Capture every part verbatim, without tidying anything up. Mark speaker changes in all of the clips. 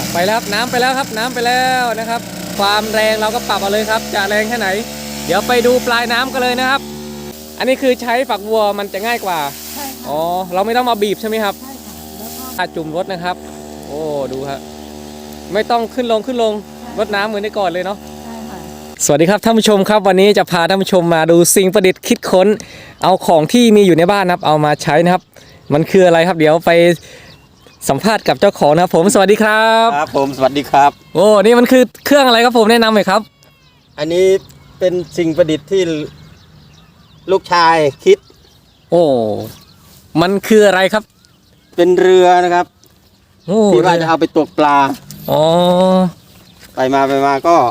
Speaker 1: ไปแล้วครับน้ำไปแล้วครับน้ำไปแล้วนะครับความแรงเราก็ปรับเอาเลยครับจะแรงแค่ไหนเดี๋ยวไปดูปลายน้ำกันเลยนะครับอันนี้คือใช้ฝักบัวมันจะง่ายกว่า
Speaker 2: ใช่ค่ะ
Speaker 1: อ๋อเราไม่ต้องมาบีบใช่ไหมครับ
Speaker 2: ใช่ค่ะแล้วก็
Speaker 1: ถ้าจุ่มรถนะครับโอ้ดูครับไม่ต้องขึ้นลงขึ้นลงรดน้ำเหมือนในก่อนเลยเนาะ
Speaker 2: ใช่ค่ะ
Speaker 1: สวัสดีครับท่านผู้ชมครับวันนี้จะพาท่านผู้ชมมาดูสิ่งประดิษฐ์คิดค้นเอาของที่มีอยู่ในบ้านนะครับเอามาใช้นะครับมันคืออะไรครับเดี๋ยวไปสัมภาษณ์กับเจ้าของนะครับผมสวัสดีครับ
Speaker 3: ครับผมสวัสดีครับ
Speaker 1: โอ้นี่มันคือเครื่องอะไรครับผมแนะนำหน่อยครับ
Speaker 3: อันนี้เป็นสิ่งประดิษฐ์ที่ลูกชายคิด
Speaker 1: โอ้มันคืออะไรครับ
Speaker 3: เป็นเรือนะครับ
Speaker 1: โอ้
Speaker 3: ที่ว่าจะเอาไปตกปลา
Speaker 1: อ๋อ
Speaker 3: ไปมาไปมาก็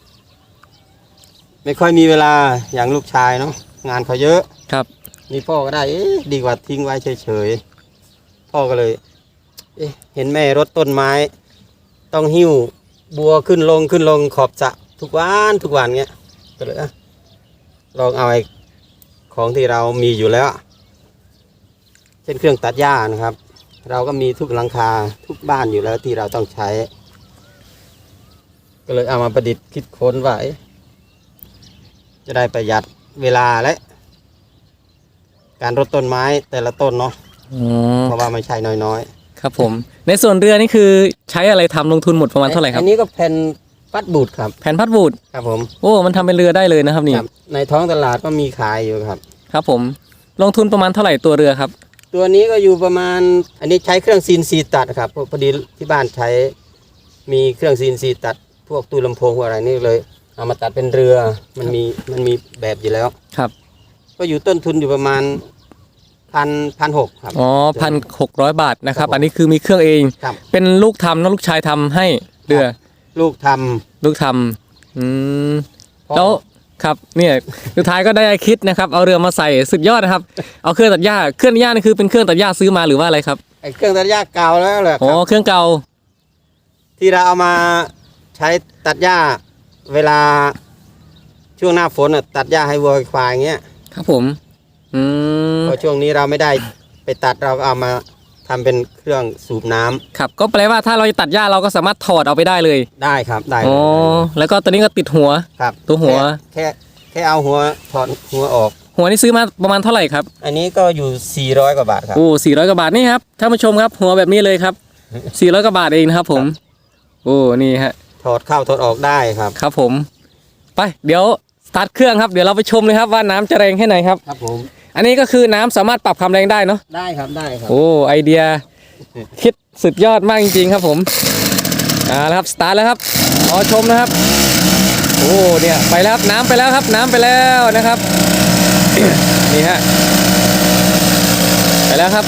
Speaker 3: ไม่ค่อยมีเวลาอย่างลูกชายเนาะงานเขาเยอะ
Speaker 1: ครับ
Speaker 3: นี่พ่อก็ได้เอ๊ะดีกว่าทิ้งไว้เฉยๆพ่อก็เลยเอ๊ะเห็นแม่รดต้นไม้ ต้องหิ้วบัวขึ้นลงขึ้นลงขอบสระทุกวันทุกวันเงี้ยก็เลยอะลองเอาไอ้ของที่เรามีอยู่แล้วเช่นเครื่องตัดหญ้านะครับเราก็มีทุกหลังคาทุกบ้านอยู่แล้วที่เราต้องใช้ ก็เลยเอามาประดิษฐ์คิดค้นไว้จะได้ประหยัดเวลาและการรดต้นไม้แต่ละต้นเนาะเพราะว่าไม่ใช่น้อย
Speaker 1: ๆครับผมในส่วนเรือนี่คือใช้อะไรทำลงทุนหมดประมาณเท่าไหร่ครับ
Speaker 3: อันนี้ก็แผ่นพัดบูดครับ
Speaker 1: แผ่นพัดบูด
Speaker 3: ครับผม
Speaker 1: โอ้มันทำเป็นเรือได้เลยนะครับนี่
Speaker 3: ในท้องตลาดก็มีขายอยู่ครับ
Speaker 1: ครับผมลงทุนประมาณเท่าไหร่ตัวเรือครับ
Speaker 3: ตัวนี้ก็อยู่ประมาณอันนี้ใช้เครื่องซีนซีตัดครับพอดีที่บ้านใช้มีเครื่องซีนซีตัดพวกตู้ลำโพงพวกอะไรนี่เลยเอามาตัดเป็นเรือมันมีมันมีแบบอยู่แล้ว
Speaker 1: ครับ
Speaker 3: ก็อยู่ต้นทุนอยู่ประมาณพันพันหกครับ
Speaker 1: อ๋อพันหกร้อยบาทนะครับอันนี้คือมีเครื่องเองเป็นลูกทำนะลูกชายทำให้เรือ
Speaker 3: ลูกท
Speaker 1: ำลูกทำอืมแล้วครับเนี่ยสุดท้ายก็ได้คิดนะครับเอาเรือมาใส่สุดยอดนะครับเอาเครื่องตัดหญ้าเครื่องตัดหญ้านี่คือเป็นเครื่องตัดหญ้าซื้อมาหรือว่าอะไรครับ
Speaker 3: ไอ้เครื่องตัดหญ้าเก่าแล้วแหละ
Speaker 1: อ๋อเครื่องเก่า
Speaker 3: ที่เราเอามาใช้ตัดหญ้าเวลาช่วงหน้าฝนตัดหญ้าให้วัวควายอย่างเงี้ย
Speaker 1: ครับผมอืม
Speaker 3: พอช่วงนี้เราไม่ได้ไปตัดเราก็เอามาทำเป็นเครื่องสูบน้ำ
Speaker 1: ครับก็แปลว่าถ้าเราจะตัดหญ้าเราก็สามารถถอดเอาไปได้เลย
Speaker 3: ได้ครับได้
Speaker 1: อ๋อแล้วก็ตัวนี้ก็ติดหัว
Speaker 3: ครับ
Speaker 1: ตัวหัว
Speaker 3: แค่แค่เอาหัวถอดหัวออก
Speaker 1: หัวนี่ซื้อมาประมาณเท่าไหร่ครับ
Speaker 3: อันนี้ก็อยู่สี่ร้อยกว่าบาทครับ
Speaker 1: โอ้สี่ร้อยกว่าบาทนี่ครับท่านผู้ชมครับหัวแบบนี้เลยครับสี่ร้อยกว่าบาทเองนะครับผมโอ้นี่ฮะ
Speaker 3: ถอดเข้าถอดออกได้ครับ
Speaker 1: ครับผมไปเดี๋ยวสตาร์ทเครื่องครับเดี๋ยวเราไปชมเลยครับว่าน้ำจะแรงแค่ไหนครับ
Speaker 3: ครับผม
Speaker 1: อันนี้ก็คือน้ำสามารถปรับความแรงได้เนาะ
Speaker 3: ได้ครับได้ครับ
Speaker 1: โอ้ไอเดียคิดสุดยอดมากจริงๆครับผมอ่าแล้วครับสตาร์ทแล้วครับรอชมนะครับโอ้เนี่ยไปแล้วครับน้ำไปแล้วครับน้ำไปแล้วนะครับนี่ฮะไปแล้วครับ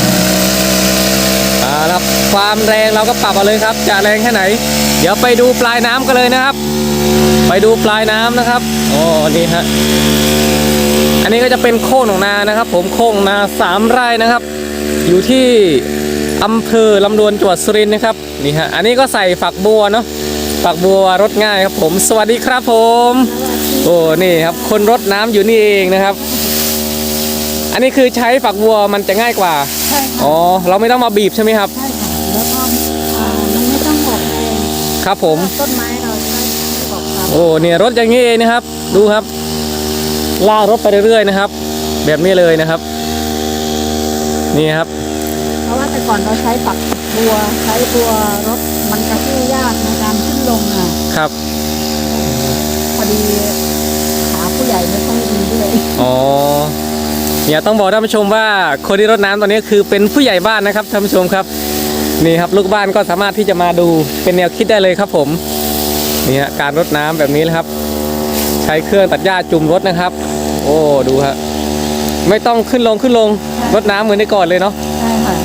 Speaker 1: อ่าครับความแรงเราก็ปรับเอาเลยครับจะแรงแค่ไหนเดี๋ยวไปดูปลายน้ำกันเลยนะครับไปดูปลายน้ำนะครับโอ้นี่ฮะอันนี้ก็จะเป็นโค้งหนองนานะครับผมโค้งนาสามไร่นะครับอยู่ที่อำเภอลำดวนจังหวัดสุรินทร์นะครับนี่ฮะอันนี้ก็ใส่ฝักบัวเนาะฝักบัวรดง่ายครับผมสวัสดีครับผมโอ้นี่ครับคนรดน้ำอยู่นี่เองนะครับอันนี้คือใช้ฝักบัวมันจะง่ายกว่า
Speaker 2: ใช่ค่ะ
Speaker 1: อ๋อเราไม่ต้องมาบีบใช่ไหมครับ
Speaker 2: ใช่ค่ะแล้วก็มันไม่ต้องออกแรง
Speaker 1: ครับผม
Speaker 2: ต้นไม้เราใช้ออกครับ
Speaker 1: โอ้เนี่ยรถอย่างนี้เองนะครับดูครับลากรถไปเรื่อยๆนะครับแบบนี้เลยนะครับนี่ครับ
Speaker 2: เพราะว่าแต่ก่อนเราใช้ฝักบัวใช้บัวรถมันกระชื่อยากในการขึ้นลงอ่ะ
Speaker 1: ครับ
Speaker 2: พอดีขาผู้ใหญ่ไม่ค่อยดีด้วย
Speaker 1: อ๋อเนี่ยต้องบอกท่านผู้ชมว่าคนที่รดน้ำตอนนี้คือเป็นผู้ใหญ่บ้านนะครับท่านผู้ชมครับนี่ครับลูกบ้านก็สามารถที่จะมาดูเป็นแนวคิดได้เลยครับผมนี่ฮะการรดน้ำแบบนี้นะครับใช้เครื่องตัดหญ้าจุ่มรถนะครับโอ้ดูฮะไม่ต้องขึ้นลงขึ้นลงรดน้ำเหมือนในก่อนเลยเนาะ
Speaker 2: ใช่ค่ะ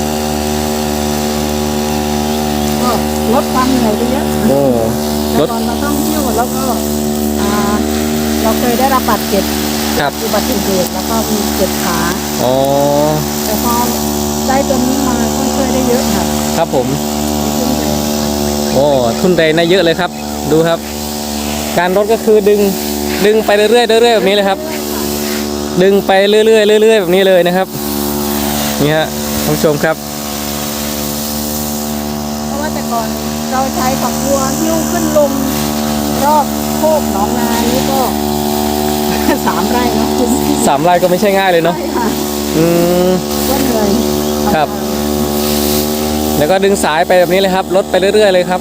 Speaker 2: ก็ลดความเหนื่อยไปเยอะ
Speaker 1: โอ้
Speaker 2: ลดเราต้องหิ้วแล้วก็เราเคยได้รับบาดเจ็บอุบัติเหตุแล้วก็มีเจ็บขา
Speaker 1: อ๋อ
Speaker 2: แต่พอได้ตัวนี้มาก็ช่วยได้เยอะค่ะ
Speaker 1: ครับผมโอ้ทุนแรงได้เยอะเลยครับดูครับการรถก็คือดึงดึงไปเรื่อยๆเรื่อยๆแบบนี้เลยครับดึงไปเรื่อยๆเรื่อยๆแบบนี้เลยนะครับนี่ฮะท่านผู้ชมครับ
Speaker 2: เพราะว่าแต่ก่อนเราใช้ฝักบัวหิ้วขึ้นลงรอบโคกหนองนานี่ก็ สามไร่เนาะคุณ
Speaker 1: สามไร่ก็ไม่ใช่ง่ายเลยเนาะ
Speaker 2: ใช่ค่ะ
Speaker 1: อืม
Speaker 2: ก็เหนื่อย
Speaker 1: ครับ แล้วก็ดึงสายไปแบบนี้เลยครับลดไปเรื่อยๆเลยครับ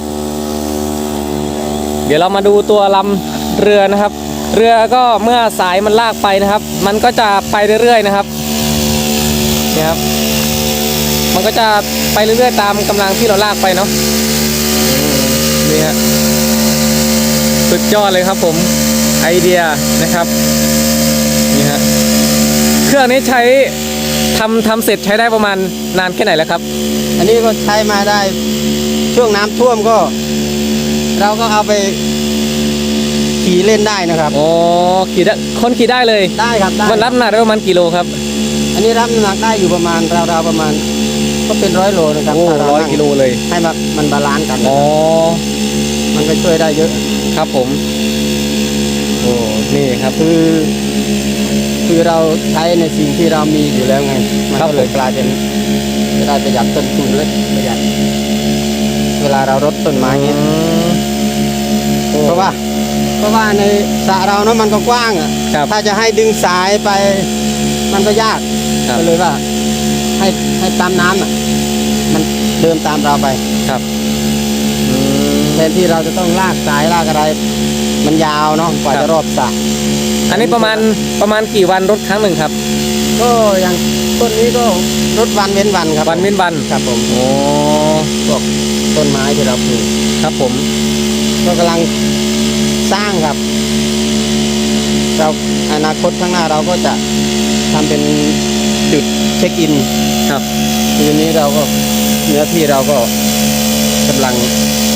Speaker 1: เดี๋ยวเรามาดูตัวลำเรือนะครับ เรือก็เมื่อสายมันลากไปนะครับ มันก็จะไปเรื่อยๆนะครับนี่ครับ มันก็จะไปเรื่อยๆตามกำลังที่เราลากไปเนาะนี่ฮะสุดยอดเลยครับผมไอเดียนะครับนี่ฮะเครื่องนี้ใช้ทำทำเสร็จใช้ได้ประมาณนานแค่ไหนแล้วครับ
Speaker 3: อันนี้ก็ใช้มาได้ช่วงน้ำท่วมก็ เราก็เอาไปขี่เล่นได้นะครับ
Speaker 1: อ๋อขี่ได้คนขี่ได้เลย
Speaker 3: ได้ครับได้
Speaker 1: มันรับน้ำหนักได้ประมาณกี่โลครับ
Speaker 3: อันนี้รับน้ำหนักได้อยู่ประมาณราวๆประมาณ ก็เป็นร้อยโลนะครับ
Speaker 1: โอ้
Speaker 3: ถ้าเา
Speaker 1: ร้อย
Speaker 3: นั่ง
Speaker 1: กิโลเลย
Speaker 3: ให้มันมันบาลานซ์กัน
Speaker 1: อ๋อ
Speaker 3: มันก็ช่วยได้เยอะ
Speaker 1: ครับผมโอ้นี่ครับ
Speaker 3: คือคือเราใช้ในสิ่งที่เรามีอยู่แล้วไง มัน
Speaker 1: ครับ
Speaker 3: ก็เลยกลายเป็นจะได้ประหยัดต้นทุนและประหยัดเวลาเรารดต้นไม้เงี้ย
Speaker 1: อืม
Speaker 3: เพราะว่า เพราะว่าในสระเราเนาะมันก็กว้างอ่ะ
Speaker 1: ครับ
Speaker 3: ถ้าจะให้ดึงสายไป มันก็ยาก
Speaker 1: ครับ
Speaker 3: ก็เลยว่า ให้ให้ตามน้ำอ่ะ มันเดินตามเราไป
Speaker 1: ครับอืม
Speaker 3: แทนที่เราจะต้องลากสายลากอะไร มันยาวเนาะกว่า
Speaker 1: ครั
Speaker 3: จะ
Speaker 1: บ
Speaker 3: รอบสระ
Speaker 1: อันนี้ประมาณประมาณกี่วันรถครั้งหนึ่งครับ
Speaker 3: ก็อย่างต้นนี้ก็รดวันเว้นวันครับ
Speaker 1: วันเว้นวัน
Speaker 3: ครับผม
Speaker 1: โอ้
Speaker 3: พวกต้นไม้ที่เราปลูก
Speaker 1: ครับผม
Speaker 3: ก็กำลังสร้างครับ เราอนาคตข้างหน้าเราก็จะทำเป็นจุดเช็คอิน
Speaker 1: ครับ
Speaker 3: ทีนี้เราก็เนื้อที่เราก็กำลัง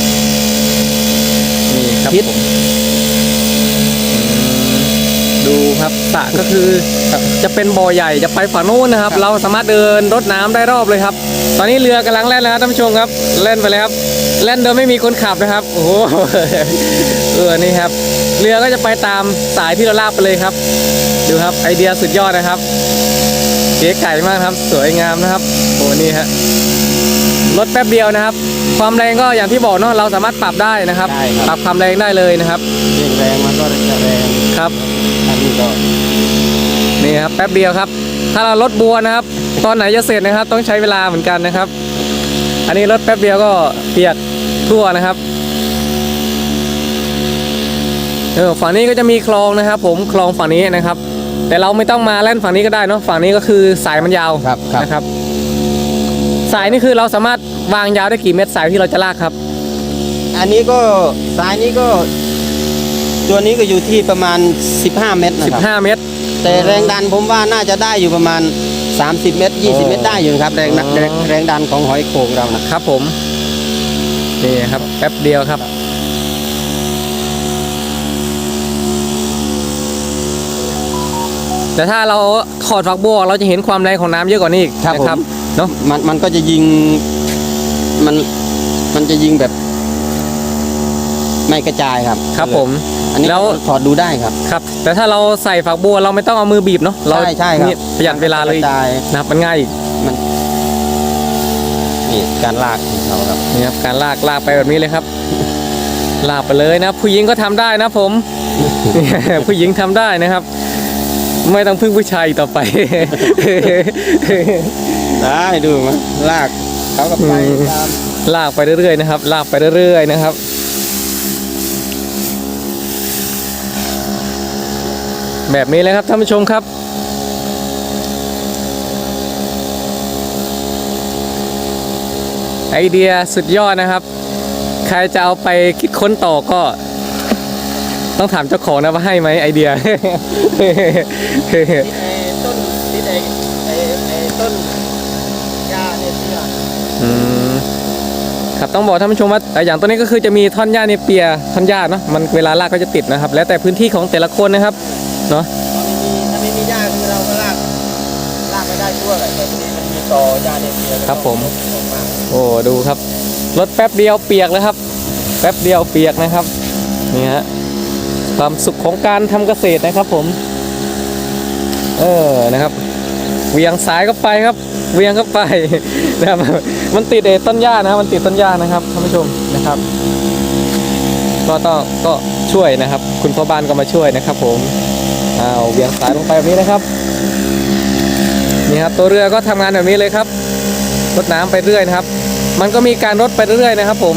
Speaker 1: นี่ครับ
Speaker 3: คิด
Speaker 1: ผมดูครับสระก็คือจะเป็นบ่อใหญ่จะไปฝั่งนู้นนะครับ เราสามารถเดินรดน้ำได้รอบเลยครับ ตอนนี้เรือกำลังแล่นแล้วครับท่านผู้ชมครับเล่นไปเลยครับเล่นโดยไม่มีคนขับนะครับโอ้โห เออนี่ครับ เรือก็จะไปตามสายที่เราลากไปเลยครับ ดูครับไอเดียสุดยอดนะครับเก๋ไก่มากครับสวยงามนะครับโอ้นี่ฮะรถแป๊บเดียวนะครับ ความแรงก็อย่างที่บอกเนาะเราสามารถปรับได้นะครับ
Speaker 3: ได้ครับ
Speaker 1: ปรับความแรงได้เลยนะครับ
Speaker 3: ยิ่งแรงมันก็จะแรง
Speaker 1: ครับ
Speaker 3: อันนี้ก็
Speaker 1: นี่ครับแป๊บเดียวครับ ถ้าเราลดบัวนะครับ ตอนไหนจะเสร็จนะครับ ต้องใช้เวลาเหมือนกันนะครับ อันนี้ลดแป๊บเดียวก็เปียกทั่วนะครับเออฝั่งนี้ก็จะมีคลองนะครับ ผมคลองฝั่งนี้นะครับ แต่เราไม่ต้องมาเล่นฝั่งนี้ก็ได้เนาะฝั่งนี้ก็คือสายมันยาว
Speaker 3: ครับครับ
Speaker 1: นะครับ สายนี่คือเราสามารถวางยาวได้กี่เมตรสายที่เราจะลากครับ
Speaker 3: อันนี้ก็สายนี้ก็ ตัวนี้ก็อยู่ที่ประมาณสิบห้าเมตรนะครับ
Speaker 1: สิบห้าเมตร
Speaker 3: แต่แรงดันผมว่าน่าจะได้อยู่ประมาณสามสิบเมตรยี่สิบเมตรได้อยู่ครับแรงดัน
Speaker 1: อ๋อ
Speaker 3: แรงแรงดันของหอยโข่งเรานะครับ
Speaker 1: ผมนี่ครับแป๊บเดียวครับ แต่ถ้าเราถอดฝักบัวออกเราจะเห็นความแรงของน้ำเยอะกว่านี้อีกนะครับเนาะ
Speaker 3: มันมันก็จะยิงมันมันจะยิงแบบ ไม่กระจายครับ
Speaker 1: ครับผม
Speaker 3: อันนี้
Speaker 1: แล้ว
Speaker 3: ถอดดูได้ครับ
Speaker 1: ครับ แต่ถ้าเราใส่ฝักบัวเราไม่ต้องเอามือบีบเนาะเรา
Speaker 3: ใช่ใช่ครับ
Speaker 1: นี่ประหยัดเวลาเลย
Speaker 3: กระจาย
Speaker 1: นะครับมันง่ายอีก
Speaker 3: มันนี่การลากของเขาครับ
Speaker 1: นี่ครับการลากลากไปแบบนี้เลยครับ ลากไปเลยนะผู้หญิงก็ทำได้นะผม ผู้หญิงทำได้นะครับ ไม่ต้องพึ่งผู้ชายอีกต่อไป
Speaker 3: ได้ดูมั้ยลากเขาก็ไป
Speaker 1: อืม
Speaker 3: ตาม
Speaker 1: ลากไปเรื่อยๆนะครับ ลากไปเรื่อยๆนะครับ แบบนี้เลยครับท่านผู้ชมครับ ไอเดียสุดยอดนะครับ ใครจะเอาไปคิดค้นต่อก็ ต้องถามเจ้าของนะว่าให้ไหมไอเดีย
Speaker 3: ไอ้ต้นที่ไอ้ไอ้ไอ้ต้นหญ้าเนี่ยเชื่อ
Speaker 1: อืมครับต้องบอกท่านผู้ชมว่าเอ่ออย่างตัวนี้ก็คือจะมีท่อนหญ้าเนเปียท่อนหญ้าเนาะมันเวลาลากก็จะติดนะครับ แล้วแต่พื้นที่ของแต่ละคนนะครับเนาะ
Speaker 3: ถ้าไม่มีถ้าไม่มีหญ้าคือเราก็ลากลากไม่ได้ทั่วเลยแต่ทีนี้มันมีตอหญ้าเนี่ยเชื่อแล้วก็
Speaker 1: ครับผม
Speaker 3: ออกมา
Speaker 1: โอ้ดูครับรถแป๊บเดียวเปียกเลยครับ แป๊บเดียวเปียกนะครับนี่ฮะความสุขของการทำเกษตรนะครับผม เออนะครับเหวียงสายก็ไปครับเวียงเข้าไป นะครับมันติดไอ้ต้นหญ้านะครับมันติดต้นหญ้านะครับท่านผู้ชมนะครับ ก็ต้องก็ช่วยนะครับ คุณพ่อบ้านก็มาช่วยนะครับ ผมอ้าวเวียงสายลงไปแบบนี้นะครับนี่ครับตัวเรือก็ทำงานแบบนี้เลยครับรดน้ำไปเรื่อยนะครับ มันก็มีการรดไปเรื่อยนะครับ ผม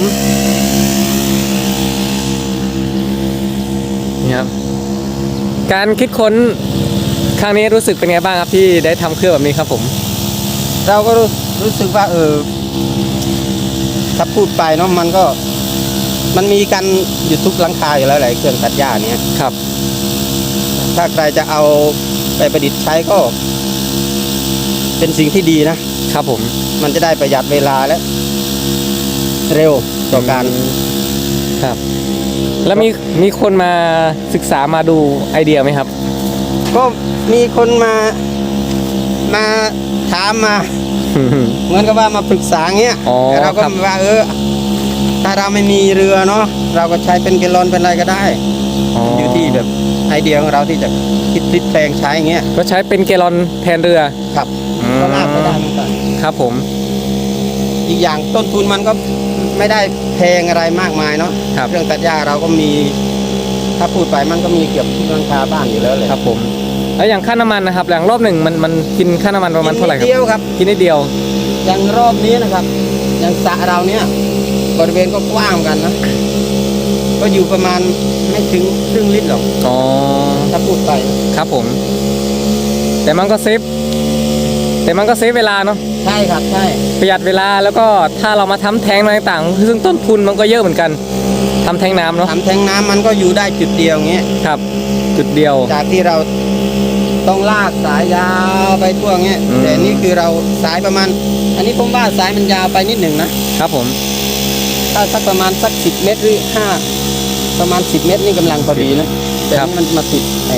Speaker 1: นี่ครับการคิดค้นครั้งนี้รู้สึกเป็นไงบ้างครับที่ได้ทำเครื่องแบบนี้ครับผม
Speaker 3: เราก็รู้รู้สึกว่าเออถ้าพูดไปเนาะมันก็มันมีกันอยู่ทุกหลังคาอยู่แล้วแหละเครื่องตัดหญ้าเนี้ย
Speaker 1: ครับ
Speaker 3: ถ้าใครจะเอาไปประดิษฐ์ใช้ก็ เป็นสิ่งที่ดีนะครับ
Speaker 1: ผม
Speaker 3: มันจะได้ประหยัดเวลาและเร็วต่อการ
Speaker 1: ครับ แล้วมีมีคนมาศึกษามาดูไอเดียไหมครับ
Speaker 3: ก็มีคนมามาถามมา เหมือนกับว่ามาปรึกษาเงี้ย
Speaker 1: อ๋อ
Speaker 3: แต่เราก็
Speaker 1: ครับ
Speaker 3: ว่าเออถ้าเราไม่มีเรือเนาะเราก็ใช้เป็นแกลลอนเป็นอะไรก็ได้ อยู่ที่แบบไอเดียของเราที่จะคิดพลิกแปลงใช้เงี้ย
Speaker 1: ก็ใช้เป็นแกลลอนแทนเรือ
Speaker 3: ครับ
Speaker 1: อืม
Speaker 3: ก็ลากไปได้เหมือนกัน
Speaker 1: ครับผม
Speaker 3: อีกอย่างต้นทุนมันก็ไม่ได้แพงอะไรมากมายเนาะ
Speaker 1: ครับ
Speaker 3: เครื่องตัดหญ้าเราก็มี ถ้าพูดไปมันก็มีเกือบทุกหลังคาบ้านอยู่แล้วเลย
Speaker 1: ครับผม แล้วอย่างค่าน้ำมันนะครับอย่างรอบหนึ่งมันมันกินค่าน้ำมันประมาณเท่าไหร่ค
Speaker 3: นิด
Speaker 1: รับ
Speaker 3: เดียวครับ
Speaker 1: กินนิดเดียว
Speaker 3: อย่างรอบนี้นะครับ อย่างสระเราเนี้ยบริเวณก็กว้างเหมือนกันนะ ก็อยู่ประมาณไม่ถึงครึ่งลิตรหรอก
Speaker 1: อ๋อ
Speaker 3: ถ้าพูดไป
Speaker 1: ครับผม แต่มันก็เซฟแต่มันก็เซฟเวลาเนาะ
Speaker 3: ใช่ครับใช่
Speaker 1: ประหยัดเวลาแล้วก็ถ้าเรามาทำแทงอะไรต่างๆซึ่งต้นทุนมันก็เยอะเหมือนกันทำแทงน้ำเนาะ
Speaker 3: ทำแทงน้ำมันก็อยู่ได้จุดเดียวเงี้ย
Speaker 1: ครับ จุดเดียว
Speaker 3: จากที่เราต้องลากสายยาวไปทั่วเงี้ย
Speaker 1: อืม
Speaker 3: แต่นี่คือเราสายประมาณ อันนี้ผมว่าสายมันยาวไปนิดหนึ่งนะครับ
Speaker 1: ผม
Speaker 3: ถ้าสักประมาณสักสิบเมตรหรือห้าประมาณสิบเมตรนี่กำลังพอดีนะแต่
Speaker 1: ครับ
Speaker 3: นี่มันมาติดไอ้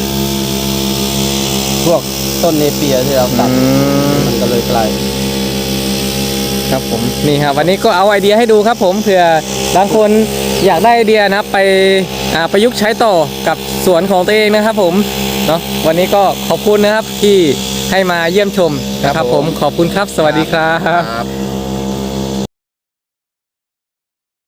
Speaker 3: พวกต้นเนเปียที่เราตัด
Speaker 1: อืม
Speaker 3: มันก็เลยไกล
Speaker 1: ครับผมนี่ครับวันนี้ก็เอาไอเดียให้ดูครับผมเผื่อบางคนอยากได้ไอเดียนะครับไปอ่าประยุกต์ใช้ต่อกับสวนของตัวเองนะครับผมเนาะวันนี้ก็ขอบคุณนะครับที่ให้มาเยี่ยมชมนะครับผมขอบคุณครับ สวัสดีครับ
Speaker 3: ครับ